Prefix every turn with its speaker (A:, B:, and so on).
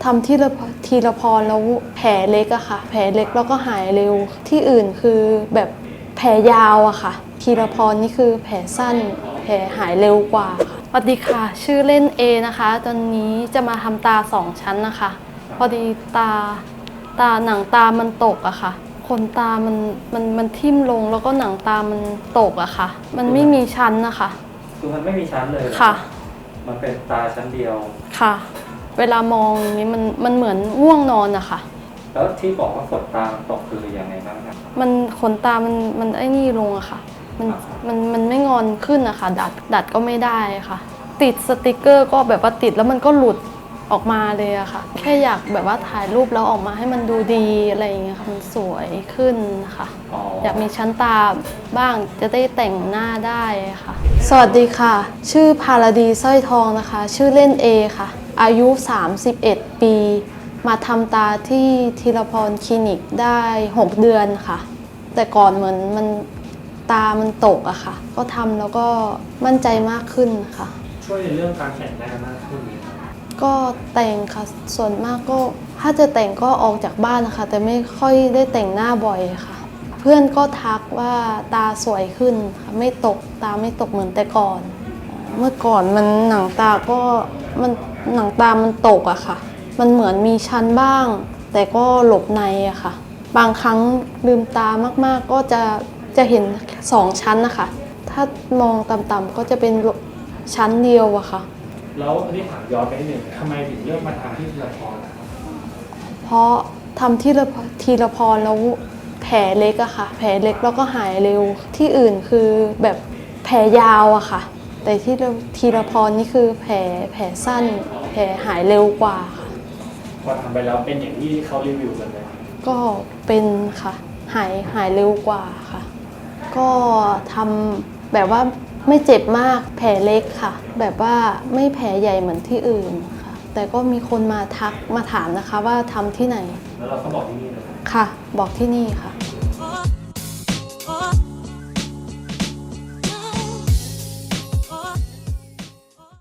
A: ทำทีละพรแล้วแผลเล็กอะค่ะแผลเล็กแล้วก็หายเร็วที่อื่นคือแบบแผลยาวอะค่ะทีละพรนี่คือแผลสั้นแผลหายเร็วกว่าค่ะสวัสดีค่ะชื่อเล่นเอนะคะตอนนี้จะมาทำตา2 ชั้นนะคะพอดีหนังตามันตกอะค่ะขนตามันทิ่มลงแล้วก็หนังตามันตกอะค่ะมันไม่มีชั้นนะคะ
B: คือมันไม่มีชั้นเลย
A: ค่ะ
B: มันเป็นตาชั้นเดียว
A: ค่ะเวลามองอย่างนี้มันเหมือนง่วงนอนอะค่ะ
B: แล้วที่บอกว่าขนตาตกคือยังไงบ้างครับ
A: มันขนตามันไอ้นี่ลงอะค่ะมันไม่งอนขึ้นอะค่ะดัดก็ไม่ได้ค่ะติดสติกเกอร์ก็แบบว่าติดแล้วมันก็หลุดออกมาเลยอะค่ะแค่อยากแบบว่าถ่ายรูปแล้วออกมาให้มันดูดีอะไรอย่างเงี้ยค่ะมันสวยขึ้นค่ะอยากมีชั้นตาบ้างจะได้แต่งหน้าได้ค่ะสวัสดีค่ะชื่อพาราดีสร้อยทองนะคะชื่อเล่นเอค่ะอายุ31 ปีมาทำตาที่ธีรพรคลินิกได้6 เดือนค่ะแต่ก่อนเหมือนตามันตกอะค่ะก็ทำแล้วก็มั่นใจมากขึ้นค่ะ
B: ช่วยในเรื่องการแต่งหน้ามากขึ้นไหมครับ
A: ก็แต่งค่ะส่วนมากก็ถ้าจะแต่งก็ออกจากบ้านนะคะแต่ไม่ค่อยได้แต่งหน้าบ่อยค่ะเพื่อนก็ทักว่าตาสวยขึ้นค่ะไม่ตกตาไม่ตกเหมือนแต่ก่อนเมื่อก่อนมันหนังตาก็หนังตามันตกอะค่ะมันเหมือนมีชั้นบ้างแต่ก็หลบในอะค่ะบางครั้งลืมตามากๆก็จะเห็น2 ชั้นนะคะถ้ามองต่ำๆก็จะเป็นชั้นเดียวอะค่ะ
B: แล้วอันนี้ถามย้อนไปนิดหนึ่งทำไมถึงเลือกมาทำที่ธีรพร
A: เพราะทำทีละพรแล้วแผลเล็กอะค่ะแผลเล็กแล้วก็หายเร็วที่อื่นคือแบบแผลยาวอะค่ะแต่ที่ทีละพรนี่คือแผลสั้นแผลหายเร็วกว่าค่ะ
B: พอทำไปแล้วเป็นอย่างที่เขารีวิวกันไหม
A: ก็เป็นค่ะหายเร็วกว่าค่ะก็ทำแบบว่าไม่เจ็บมากแผลเล็กค่ะแบบว่าไม่แผลใหญ่เหมือนที่อื่นค่ะแต่ก็มีคนมาทักมาถามนะคะว่าทำที่ไหน
B: แล้วเราก็บอกที่นี่เลย
A: ค่ะบอกที่นี่ค่ะ